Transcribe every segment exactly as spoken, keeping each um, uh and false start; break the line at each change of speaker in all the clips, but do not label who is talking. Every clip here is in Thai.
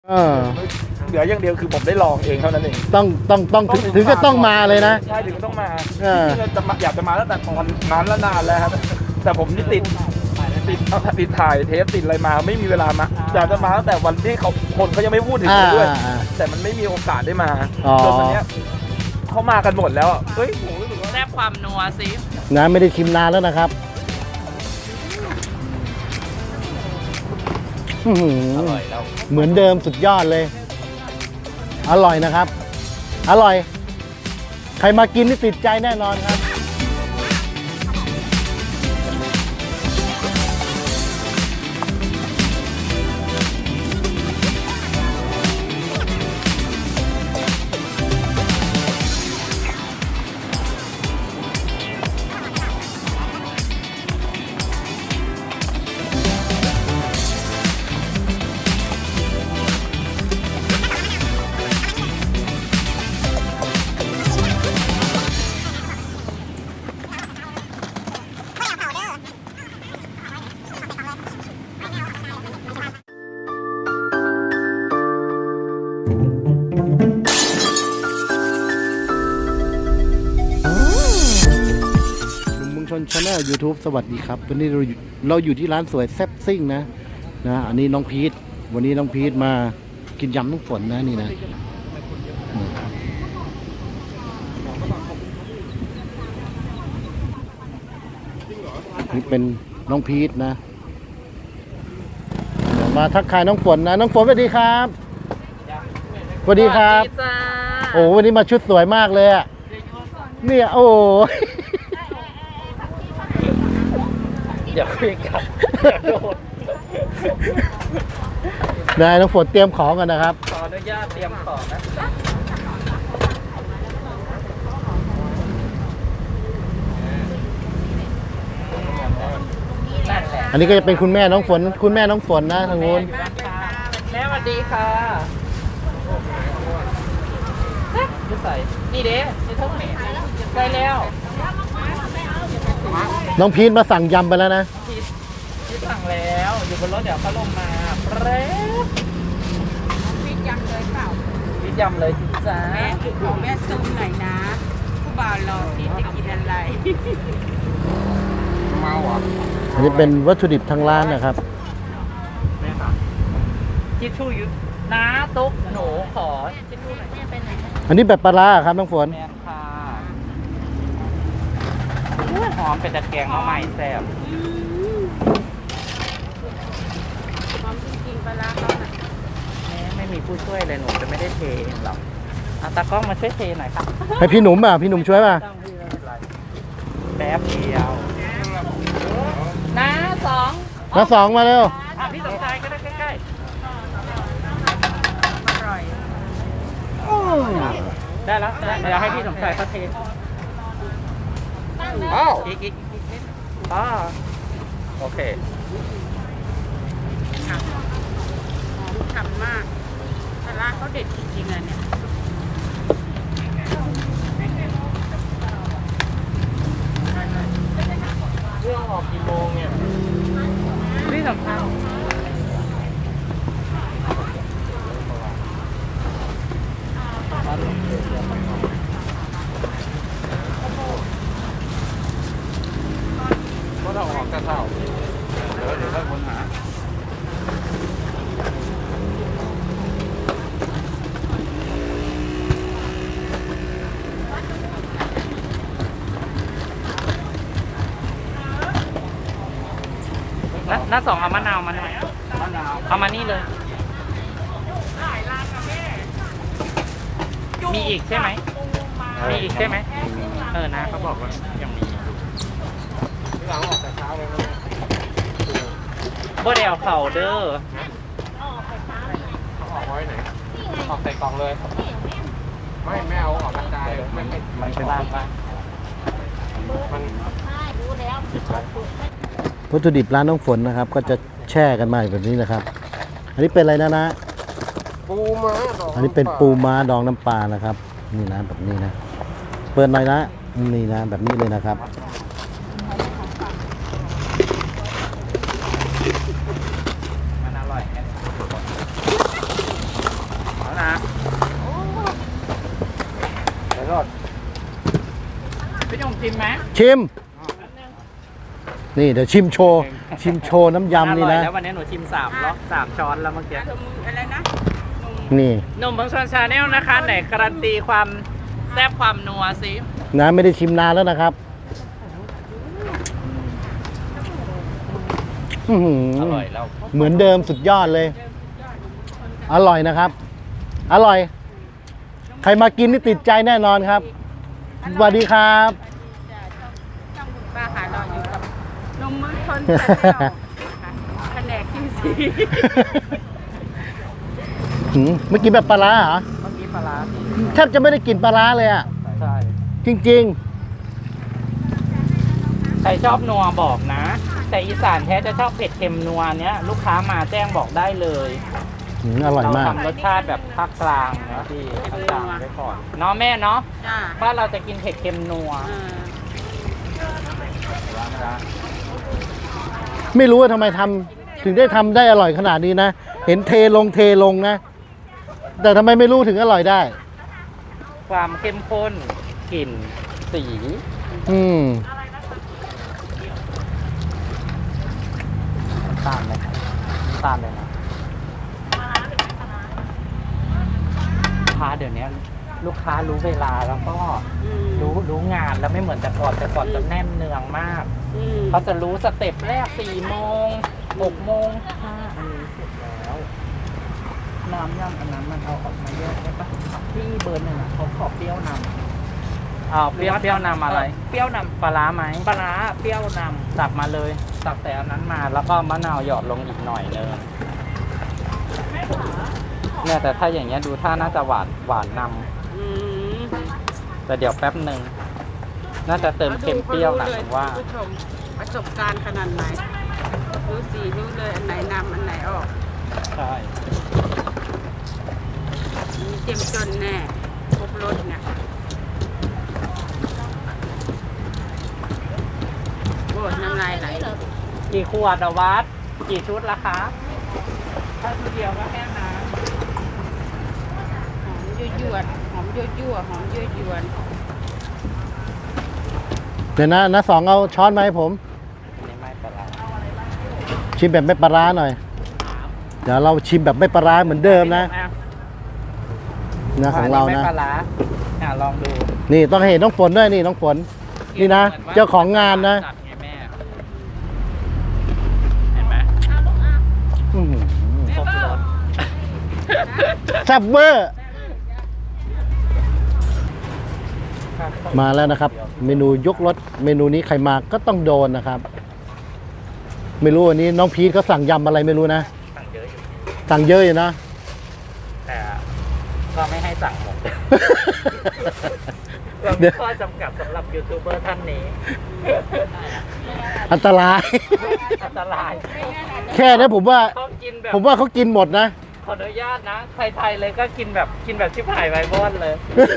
เออ
เหลืออย่างเดียวคือผมได้ลองเองเท่านั้นเอง
ต้องต้องต้องถึงก็ต้องมาเลยนะ
ใช่ถึงต้องมา
เออ
จะอยากจะมาตั้งแต่ตอนนั้นแล้วนานแล้วครับแต่ผมนี่ติดติดติดถ่ายเทปติดอะไรมาไม่มีเวลามาอยากจะมาตั้งแต่วันที่เขาคนเขายังไม่พูดถึงเลยด้วยแต่มันไม่มีโอกาสได้มาจนวันนี้เขามากันหมดแล้วเฮ้ยผมรู้สึกว่า
แซ่บความนัวสิ
นะไม่ได้ชิมนานแล้วนะครับอร่อยแล้วเหมือนเดิมสุดยอดเลยอร่อยนะครับอร่อยใครมากินนี่ติดใจแน่นอนครับชนชาแนล ยูทูบ สวัสดีครับวันนี้เราเราอยู่ที่ร้านสวยแซ่บซิ่งนะนะอันนี้น้องพีทวันนี้น้องพีทมากินยำน้ำฝนนะนี่นะนี่เป็นน้องพีทนะเดี๋ยวมาทักทายน้องฝนนะน้องฝนสวัสดีครับสวัสดีครับโอ้วันนี้มาชุดสวยมากเลยอ่ะเนี่ยโอ้
อย่าคุยกัน
นายน้องฝนเตรียมของกันนะครับ
ขออนุญาตเตรียมของนะ
อันนี้ก็จะเป็นคุณแม่น้องฝนคุณแม่น้องฝนนะทางนู้น
แม่สวัสดีค่ะนี่ใส่นี่เด้นี่เท่าไหร่ใกล้แล้ว
น้องพีทมาสั่งยำไปแล้วนะ
พีทพีทสั่งแล้วอยู่บนรถเดี๋ยวเขาลงมาเร็วพีทยำเลยเปล่าพีทยำเลยสิจ้าแม่ขอแม่ซูมหน่อยนะผู้บ่าวรอพีทจะกินอะไร
เมาอ่ะ
อันนี้เป็นวัตถุดิบทางร้านนะครับ
แม่ครับทิชชู่ยุน้าตุ๊กหนูขอทิชชู่หน่อยแม่ไปไหน
อันนี้แบบปลาร้าครับน้องฝน
หอมเป็นตะแกรงมาใหม่แซ่บหอมจริงๆปลาร้าเขาหน่อยแม่ไม่มีผู้ช่วยเลยหนูจะไม่ได้เทเองหรอกเอาตากล้องมาช่วยเทหน่อยค่ะ
ให้พี่หนุ่มอ่ะพี่หนุ่มช่วยป่ะ
แป๊บเดียวน้าสอง
น้าสองมาเร็ว
พี่สมชายก็ได้ใกล้ๆอร่อยได้แล้วเดี๋ยวให้พี่สมชายเขาเท
อ้าว
อีกอีกอ๋อโอเคฉ่ำฉ่ำมากปลาร้าเขาเด็ดจริงๆเลยเนี่ย
เรื่องออกกี่โมงเนี่ย
นี่สำคัญ
ก็ต้องออกกระเท่าเดี๋ยวเดี๋ยวค่อยค้นหา
น้าสองเอามะนาวมาหน่อยเอามานี่เลยมีอีกใช่ไหมมีอีกใช่ไหมเออนะเขาบอกว่ายังมี
หลังออกแต่เช้าเลย
บ่ได้เอาเข่าเด้อ
ออกไว้ไหนออกใส่กล่องเลยไม่ไม่เอาออกกระจายไม่ไม่
มันเป็นบ้านป่ะ
มัน
วัตถุดิบร้านน้องฝนนะครับก็จะแช่กันมาแบบนี้นะครับอันนี้เป็นอะไรนะนะ
ปูม้าดอง
อันนี้เป็นปูม้าดองน้ำปลานะครับนี่นะแบบนี้นะเปิดหน่อยนะนี่นะแบบนี้เลยนะครับ
มันอร่อยชิมไหม
ชิม นี่เดี๋ยวชิมโชว์ ชิมโชว์น้ำยำนี่นะ
แล้ววันนี้หนูชิมสามรอบสามช้อนแล้วเมื่อกี้
อะไรนะ
นี่
นมบางชนชาแนลนะคะไหนการันตีความแซ่บความนัวสิ
นะไม่ได้ชิมนานแล้วนะครับอื้อหื
อร่อยแล้ว
เหมือนเดิมสุดยอดเลย อร่อยนะครับ อร่อย ใครมากินนี่ติดใจแน่นอนครับ สวัสดีครับ
ช่องคุณป้าหาเราอยู่กับนมมือชนแผนกคิวซี
หืมเมื่อกี้แบบปลาร้าเหรอ
เมื่อกี้ปลาร้า
แทบจะไม่ได้กลิ่นปลาร้าเลยอ่ะ
ใช่
จริง
ใครชอบนัวบอกนะ แต่อีสานแท้จะชอบเผ็ดเค็มนัวเนี้ยลูกค้ามาแจ้งบอกได้เลย
ๆหืมอร่อยมาก
เทำรสชาติแบบภาคกลางนะพี่ภาคกลางไว้ก่อนเนาะแม่เนาะ
จ้า
บ้านเราจะกินเผ็ดเค็มนัว
เออ
ไม่รู้ว่าทำไมทำถึงได้ทำได้อร่อยขนาดนี้นะ เห็นเทลงเทลงนะ แต่ทำไมไม่รู้ถึงอร่อยได้
ความเข้มข้นกลิ่นสี
อืม
ตามเลยตามเลยนะลูกค้าเดี๋ยวนี้ลูกค้ารู้เวลาแล้วก็
อืม
รู้รู้งานแล้วไม่เหมือนแต่ก่อนแต่ก่อนจะแน่นเนืองมาก
อืม
เขาจะรู้สเต็ปแรกสี่โมงหกโมงห้าอันนี้เสร็จแล้วน้ำย่ำอันนั้นมันเอาออกมาเยอะได้ปะที่เบอร์หนึ่งอะเขาขอเปรี้ยวนำเอาเปรี้ยวเปรี้ยวนำอะไร เปรี้ยวนำปลาร้าไหมปลาร้าเปรี้ยวนำตักมาเลยตักแต่อันนั้นมาแล้วก็มะนาวหยอดลงอีกหน่อยนึงเนี่ยแต่ถ้าอย่างเงี้ยดูท่าน่าจะหวานหวานน
อืม
ำแต่เดี๋ยวแป๊บหนึ่งน่าจะเติมเค็มเปรี้ยวนะผมว่า
ผู้ชมประสบการณ์ขนาดไหนรู้สีรู้เลยอันไหนนำอันไหนออก
ใช่
มีเต็มจนแน่ครบรถเนี่ยโอ้ยน้ำลายไหล
กี่ขวดอะวัดกี่ชุดละคะถ้าชุดเดียวก็แค่นั้น
หอมยั่วยวดหอมยั่วยั่วหอมยั่วยวน
เดี๋ยวนะนะสองเอาช้อนมาให้ผม
อันนี้ไม่เป็นไร
ชิมแบบไม่ปลาร้าหน่อย เดี๋ยวเราชิมแบบไม่ปลาร้าเหมือนเดิมนะนะของเรา
ไม่
นะ
ปลาร้าอ่ะลองดู
นี่ต้องให้เห็นน้องฝนด้วยนี่น้องฝน นี่นะ เจ้าของงานนะ
จัดไงแม่เห็นไหม
อื้อหือ
ครบรส
แซ่บเวอร์ มาแล้วนะครับ เมนูยกรสเมนูนี้ใครมาก็ต้องโดนนะครับ ไม่รู้วันนี้น้องพีทเขาสั่งยำอะไรไม่รู้นะ
สั่งเยอะอยู่
สั่งเยอะอยู่นะ
แต่ก็ไม่ให้สั่งหมด เรา
เดี๋
มี
ยว
ข้อจำกัดสำหรับยูทูบเบอร์ท่านนี้
อันตราย
อันตราย
แค่นี้ผมว่า
เขากินแบบ
ผมว่าเขากินหมดนะ
ขออนุญาตนะไทยๆเลยก็กินแบบกินแบบชิบหายไวบอนเลย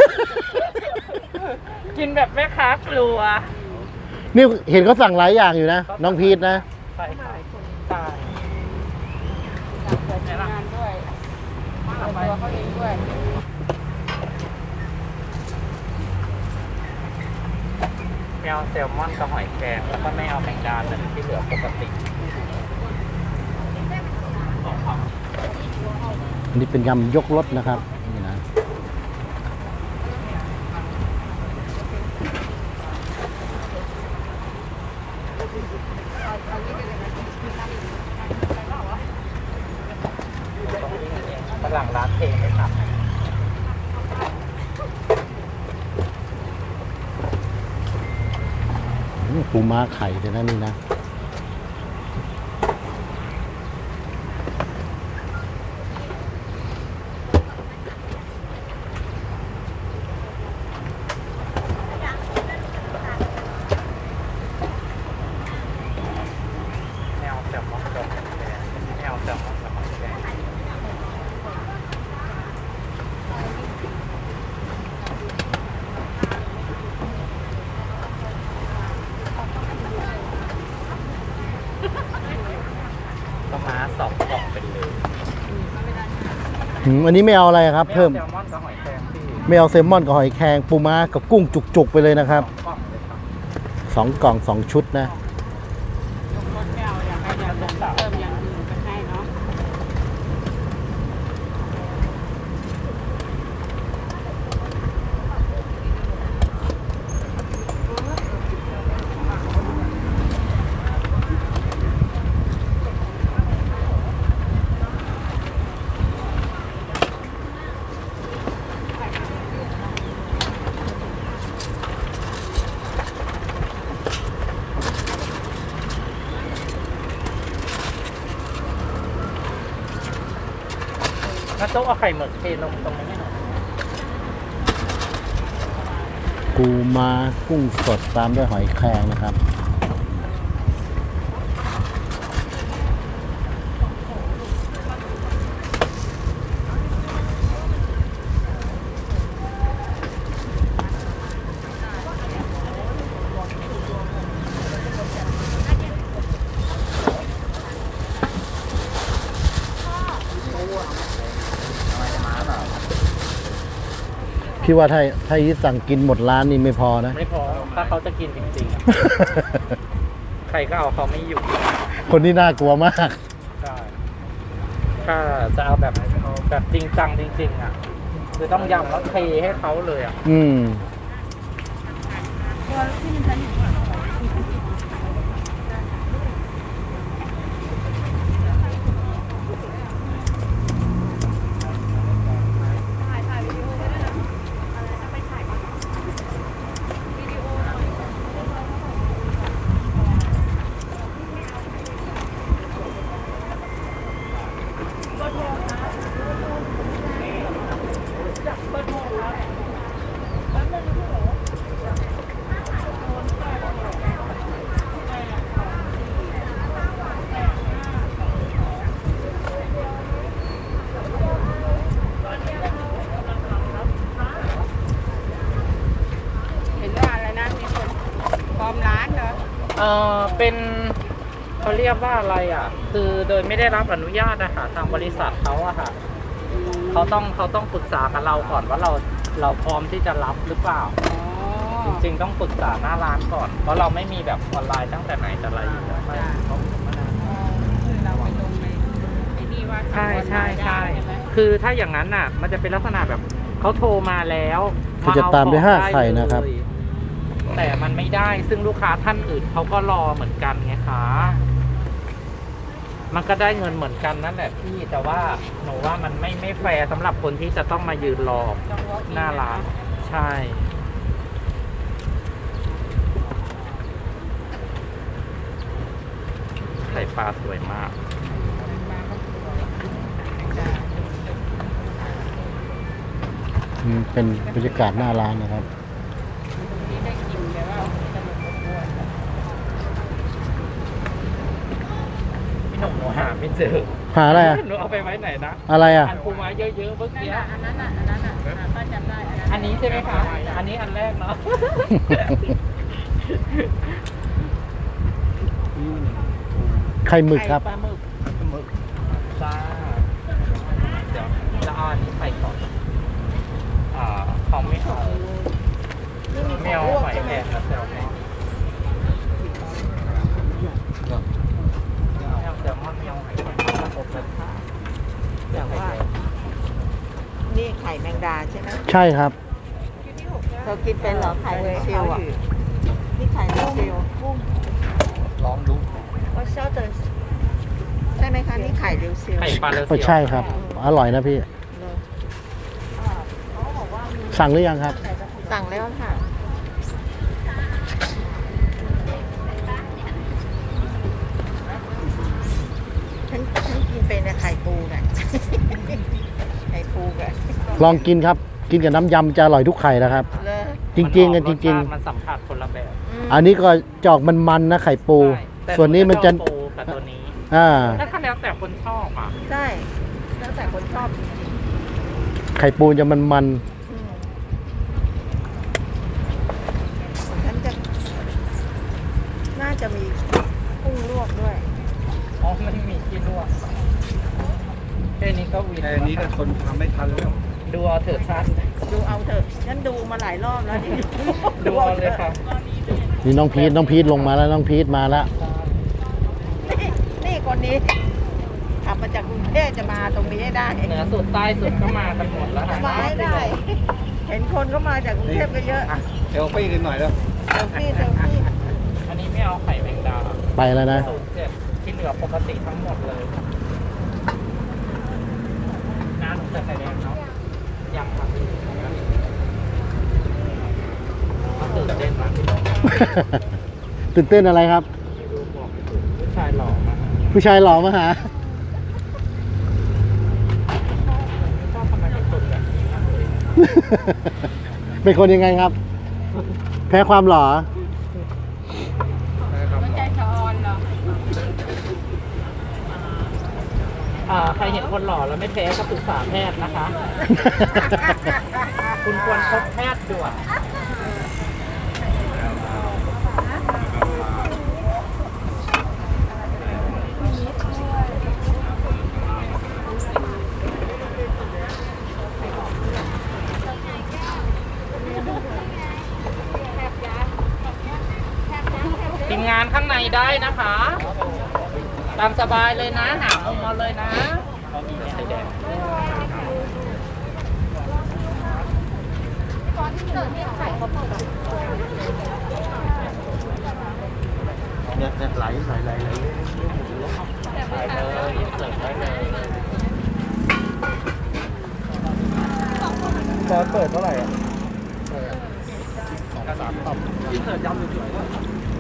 กินแบบแม่ค้ากลัว
นี่เห็นเขาสั่งหลายอย่างอยู่นะ น้องพีทนะ
ใช่ใช่ตาย
เปิดงานด้วยเปิดตัวเขาเองด้วย
ไม่เอาแซลมอนกับหอยแครงแล้วก็ไม่เอาแมงดาแต่ที่เหลือปกติ
อันนี้เป็นยำยกรสนะครับนี่นะ
ฝรั่งร้านเพลงไม่ทำ
อื้อปูม้าไข่เลยนะนี่นะ
ไม่เอาแซลมอนกับหอยแครงไม่เอาแซลมอนกับหอยแครง ก็มาสองกล่องเป็นเลย
อืมอันนี้ไม่เอาอะไรครับ เพิ่ม
แซลมอนกับหอยแครงพี่
ไม่เอาแซลมอนกับหอยแครงปูม้ากับกุ้งจุกๆไปเลยนะครับ
กล่องเลยครับ
สองกล่องสองชุดนะ
ยกรถไม่เอาอยากให้อยากเติมอย่างอื่นไปให้เนาะ
น้าโต๊ะเอาไข่หมึกเทลงตรงนี้ให้หน่อย
ปูม้ากุ้งสดตามด้วยหอยแครงนะครับ พี่ว่าถ้าถ้าอีทสั่งกินหมดร้านนี่ไม่พอนะ
ไม่พอถ้าเขาจะกินจริงๆอะ ใครก็เอาเขาไม่อยู่
คนนี้น่ากลัวมาก
ใช่ถ้าจะเอาแบบแบบจริงจังจริงๆอ่ะคือต้องยำแล้วเทให้เขาเลยอ่ะ
อืม
เห็นว่าอะไรนะมีคนปลอมร้านเหรอ
เออเป็นเขาเรียกว่าอะไรอ่ะ คือโดยไม่ได้รับอนุญาตนะคะทางบริษัทเขาอะค่ะเขาต้องเขาต้องปรึกษากับเราก่อนว่าเราเราพร้อมที่จะรับหรือเปล่า
อ๋อ
จริงๆต้องปรึกษาหน้าร้านก่อน เพราะเราไม่มีแบบออนไลน์ตั้งแต่ไหนแต่ไรอยู่แล้วไม่เขามานาน
อ๋อคือเราไปลงในไอ้นี่ว่า
ใช่ใช่ใช่
ทำออนไลน์ได้ไหม
คือถ้าอย่างนั้นน่ะ มันจะเป็นลักษณะแบบเขาโทรมาแล้ว
คือจะตามด้วยห้าไข่นะครับ
เลยแต่มันไม่ได้ซึ่งลูกค้าท่านอื่นเขาก็รอเหมือนกันไงคะมันก็ได้เงินเหมือนกันนั่นแหละพี่แต่ว่าหนูว่ามันไม่ไม่แฟร์สำหรับคนที่จะต้องมายืนรอหน้าร้านใช่ ไข่ปลาสวยมาก
อืมเป็นบรรยากาศหน้าร้านนะครับ
นี่ได้กินแต่ว่าสนุกอ้วน
พี่หนุ่มหนูหาไม่เจอ
หาอะไรอ่ะ
หนูเอาไปไว้ไหนนะ
อะไรอ่ะ
อันปูม้าเยอะๆเมื่อ
นั่น
กี้
น่ะอันนั้นน่ะอันนั้นน่ะอ่ะป้าจำได้อันนั้น
อันนี้ใช่ไหมคะ อันนี้อันแรกเนาะ
ไข่หมึกครับ
ไข่ปลาหมึกหมึกจ้าเดี๋ยวจะเอาอันนี้ไปก่อน อ่าเขาไม่เอาไม่เอาหอยแครงนะแซลมอนไม่เอาแซลมอนไม่เอาหอยแครงเอาอบเลยค่ะ
อย่างว่า นี่ไข่แมงดาใช่ไหม
ใช่ครับ
เธอกินเป็นเหรอไข่เรซิลอ่ะ นี่ไข่เรซิล
ลองดู
ว่าเช่าเตอร์ใช่ไหมคะ นี่ไข่เรซิล
ไข่ปลาเลเซี
ก็
ยว
ใช่ครับ อร่อยนะพี่ สั่งหรือยังครับ
สั่งแล้วค่ะ ฉันฉันกินเป็นแต่ไข่ปูน่ะ ไข่ปูกะ
ลองกินครับ กินกับน้ำยำจะอร่อยทุกไข่นะครับ
เลย
จริงๆกันจริง
มันสัมผัสคนละแบบ
ม
ๆ อันนี้ก็จอกมันๆนะไข่ปู
ใช่แต่
ส่วนนี้มันจะ
ชอบปูกับตัวนี้
อ่า
แล้วก็แล้วแต่คนชอบอ่ะ
ใช่ แล้วแต่คนชอบจริง
ไข่ปูจะมัน
ๆอืมฉันจะ น่าจะมีกุ้งลวกด้วย
อ๋อไม่มีที่ลวกแค่นี้ก็วิน
แต่อันนี้ก็คนทำไม่ทันแล้ว
ดูเอาเถอะสั้น
ดูเอาเถอะฉันดูมาหลายรอบแล้วนี่
ดูเอาเลยค่ะ
ด
นี่น้องพีทน้องพีทลงมาแล้วน้องพีทมาแล้ว
นี่นี่คนนี้ขับมาจากกรุงเทพจะมาตรงนี้ให้ได้
เหนือสุดใต้สุดก็มากันหมดแล้วค่ะ
มาให้ได้ เห็นคนก็มาจากกรุงเทพก็เยอะ
เอลฟี่กันหน่อยแล้ว
เซลฟี่เซลฟี่
อันนี้ไม่เอาไข่แมงดา
ไปแล้วนะ
ศูนย์เจ็ดที่เหลือปกติทั้งหมดเลยน้าหนูจะไข่แดงเนาะยังครับตื่นเต้นมาก
ตื่นเต้นอะไรครับ
ผู้ชายหล่อมาก
ผู้ชายหล่อมาหา
ชอบทำไมเป็นคนแบบนี้
เป็นคนยังไงครับ แพ้ความหล่อ
ใจชอนเหรอ
อ่าใครเห็นคนหล่อแล้วไม่แพ้ก็ปรึกษาแพทย์นะคะ คุณควรพบแพทย์ด่วน ทีมงานข้างในได้นะคะ ตามสบายเลยนะหามุมมาเลยนะไข่แดง
เนี่ยเนี่ยไหลไหลไหลไหล
ไปเลยเสิร์ฟได้เลย
ซอสเปิดเท่าไหร่อ่ะ
สามตับกินเสิร์ฟยำสวยๆด้วย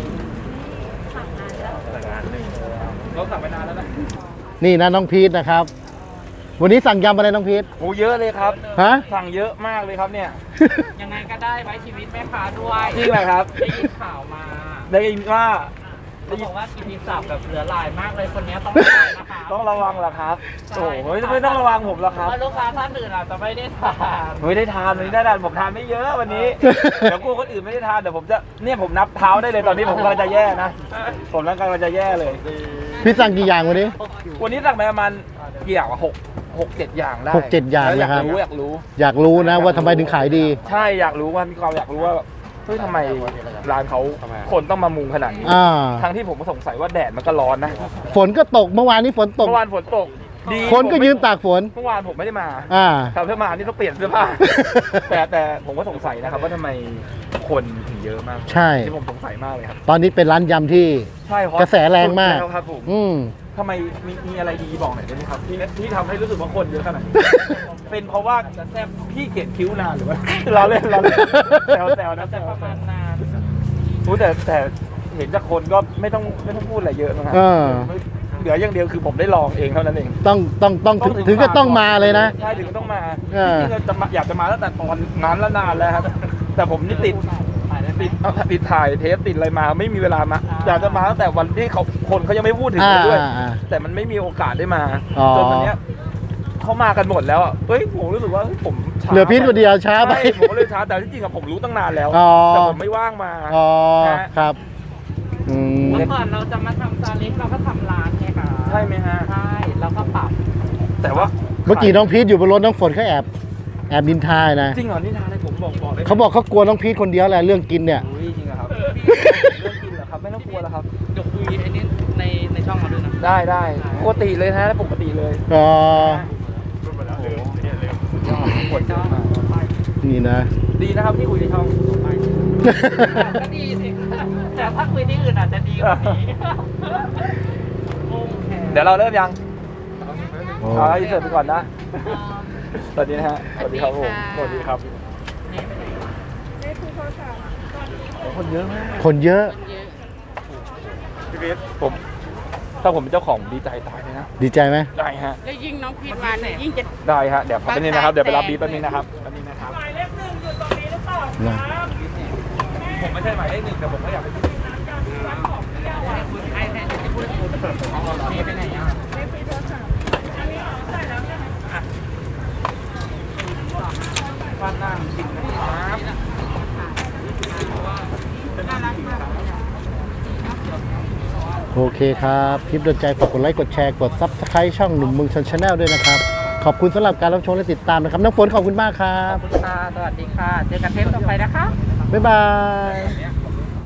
เราสั่งไปนานแล้วนะ
นี่นะน้องพีทนะครับ วันนี้สั่งยำอะไรน้องพีท
โอ้เยอะเลยครับ
ฮะ
สั่งเยอะมากเลยครับเนี่ย
ยังไงก็ได้ไว้ชีวิตแม่ค้าด้วย
จริงเหรอครับ
ได้ยินข่าวมา
ได้ยินว่า
เขาบอกว่ากินพิซซ่าแบบเหลือหลายมากเลยคนนี้ต้องระวังนะคะ
ต้องระวังเหรอครับ โอ้โหไม่ต้องระวังผมหรอกครับ
เพราะลูกค้าท่านอื่นอาจจะไม่ได้ทาน
ไม่ได้ทานวันนี้ได้ทานผมทานไม่เยอะวันนี้ เดี๋ยวกลัวคนอื่นไม่ได้ทานเดี๋ยวผมจะเนี่ยผมนับเท้าได้เลยตอนนี้ผมกำลังจะแย่นะ ผมกำลังจะแย่เลย
พี่สั่งกี่อย่างวันนี้
วันนี้สั่งไปประมาณกี่อย่างวะหกหกเจ็ดอย่างได้
หกเจ็ดอย่าง
แล้วอยาก
นะครับ
รู้อยากรู้
อยากรู้นะว่าทำไมถึงขายดี
ใช่อยากรู้ว่ามีความอยากรู้ว่าเฮ้ยทำไมร้านเขาคนต้องมามุงขนาดนี้
อ่า
ทั้งที่ผมก็สงสัยว่าแดดมันก็ร้อนนะ
ฝนก็ตกเมื่อวานนี้ฝนตก
เมื่อวานฝนตกดี
คนก็ยืนตากฝน
เมื่อวานผมไม่ได้มา
อ่า
ถ้าเพื่อมานี่ต้องเปลี่ยนเสื้อผ้า แต่แต่ผมก็สงสัยนะครับว่าทำไมคนถึงเยอะมาก
ใช่
ที่ผมสงสัยมากเลยครับ
ตอนนี้เป็นร้านยำที่
ใช่ฮอต
กระแสแรงมาก
สุดแล้วครับผม
อืม
ทำไมมีมีอะไรดีบอกหน่อยได้ไหมครับที่ที่ทำให้รู้สึกว่าคนเยอะขนาดนี้ เป็นเพราะว่าแซบพี่เกลียดคิ้วนานหรือว่า เราเล่นเราเล่นแซวแซวนะแซ
จะ
ว
ประ
แซ
มาณ
วน
าน
รู้แต่แต่เห็นจากคนก็ไม่ต้องไม่ต้องพูดอะไรเยอะนะครั
เออ
เหลืออย่างเดียวคือผมได้ลองเองเท่านั้นเอง
ต้องต้องต้องถึงถึงก็ต้องมาเลยนะ
ใช่ถึงต้องมา
เออ
จริงๆจะมาอยากจะมาตั้งแต่ตอนนั้นแล้วนานแล้วครับแต่ผมนี่ติดติดติดถ่ายเทปติดอะไรมาไม่มีเวลามาอยากจะมาตั้งแต่วันที่เขาคนเขายังไม่พูดถึงเลยด้วย
อ่าอ่า
แต่มันไม่มีโอกาสได้มา
อ๋อ
จนวันเนี้ยเขามากันหมดแล้วอ่ะเฮ้ยผมรู้สึกว่าเฮ้ยผมช้า
เหลือพีทคนเดียวช้าไป
ใช่ผมก็เลยช้าแต่ที่จริงอะผมรู้ตั้งนานแล้ว
อ๋อ
แต่ผมไม่ว่างมา
อ๋อ
นะ
ครับอืม
เมื่อก่อนเราจะมาทำซาเล้งเราก็ทำร้านไงคะ
ใช่ไหมฮะ
ใช่แล้วก็ปรับ
แต่ว่า
เมื่อกี้น้องพีทอยู่บนรถน้องฝนเขาแอบแอบนินทานะ
จริงเหรอนี่ทานอะไรผมบอกบอกเลย
เขาบอกเขากลัวน้องพีทคนเดียวแหละเรื่องกินเนี่ย
อุ้ยจริงเหรอครับเรื่องกินเหรอครับไม่ต้องกลัวแล้วครับ
เดี๋ยวคุยไอ้นี่ในในช่องเราด้วยนะ
ได้ได้ปกติเลยนะปกติเลย
อ๋อ
ปวดเยอะมาก
นี่นะ
ดีนะครับที่คุยในช่อง
ก็ดีสิแต่ถ้าคุยที่อื่นอาจจะดีกว่านี้
เดี๋ยวเราเริ่มยัง
โอ้
เอาอินเสิร์ตไปก่อนนะสวัสดีนะฮะสวัสดีครับผมสวัสดีครับคนเยอะมาก
คนเยอะ
พี่เบสผมถ้าผมเป็นเจ้าของดีใจตายเลยนะ
ดีใจไหม
ได้ฮะ
แล้วยิ่งน้องพีทมาเนี่ยยิ่งจะ
ได้ฮะเดี๋ยวแป๊บนึงนะครับเดี๋ยวไปรับบีบแป๊บนึงนะครับแป๊บนึงนะครับ
นะ
ผมไม่ใช่หมายเลขหนึ่งแต่ผมก็อยากไปที่
ไอ้แทนจะพูดคุณนี่ไปไหนอ่ะฟันหน้าจริงนะครับ
โอเคครับคลิปโดนใจฝากกดไลค์กดแชร์กดซับสไครต์ช่องหนุ่มเมืองชนชาแนลด้วยนะครับขอบคุณสำหรับการรับชมและติดตามนะครับน้องฝนขอบคุณมากครั
ข
บ
อบคุณค่ะ สวัสดีค่ะ เจอกันเทปต่อไปนะคะ
บ๊ายบาย